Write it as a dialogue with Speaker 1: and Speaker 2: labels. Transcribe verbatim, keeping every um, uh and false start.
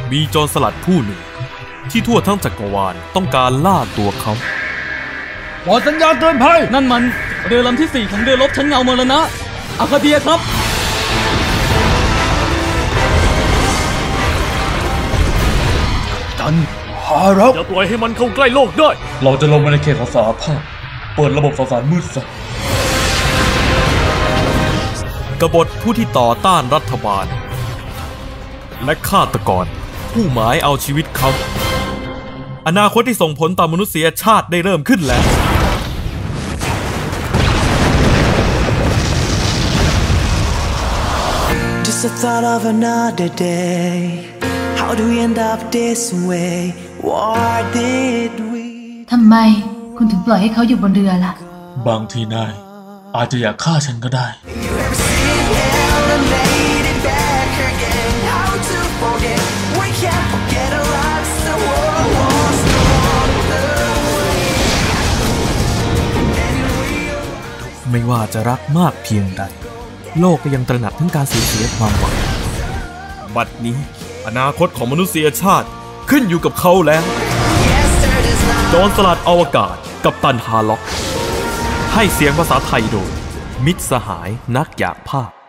Speaker 1: มีโจรสลัดผู้หนึ่งที่ทั่วทั้งจักรวาลต้องการล่าตัวเขา
Speaker 2: ปล่อยสัญญาณเตือนภัย
Speaker 3: นั่นมันเรือลำที่สี่ของเรือรบชั้นเงามรณะอาคาเดียครับ
Speaker 2: จันหารับ
Speaker 1: อย่าปล่อยให้มันเข้าใกล้โลกได้
Speaker 2: เราจะลงมาในเขตของสหภาพเปิดระบบสื่อสารมืดซะ
Speaker 1: กบฏผู้ที่ต่อต้านรัฐบาลและฆาตกรผู้หมายเอาชีวิตเขาอนาคตที่ส่งผลต่อมนุษยชาติได้เริ่มขึ้นแล้ว
Speaker 4: Just the thought of another day How do we end up this way What did we
Speaker 5: ทำไมคุณถึงปล่อยให้เขาอยู่บนเรือล่ะ
Speaker 2: บางทีนายอาจจะอยากฆ่าฉันก็ได้
Speaker 1: ไม่ว่าจะรักมากเพียงใดโลกก็ยังตระหนักถึงการสูญเสียความหวังบัดนี้อนาคตของมนุษยชาติขึ้นอยู่กับเขาแล้วโจรสลัดอวกาศกัปตันฮาร์ล็อกให้เสียงภาษาไทยโดยมิตรสหายนักอยากภาค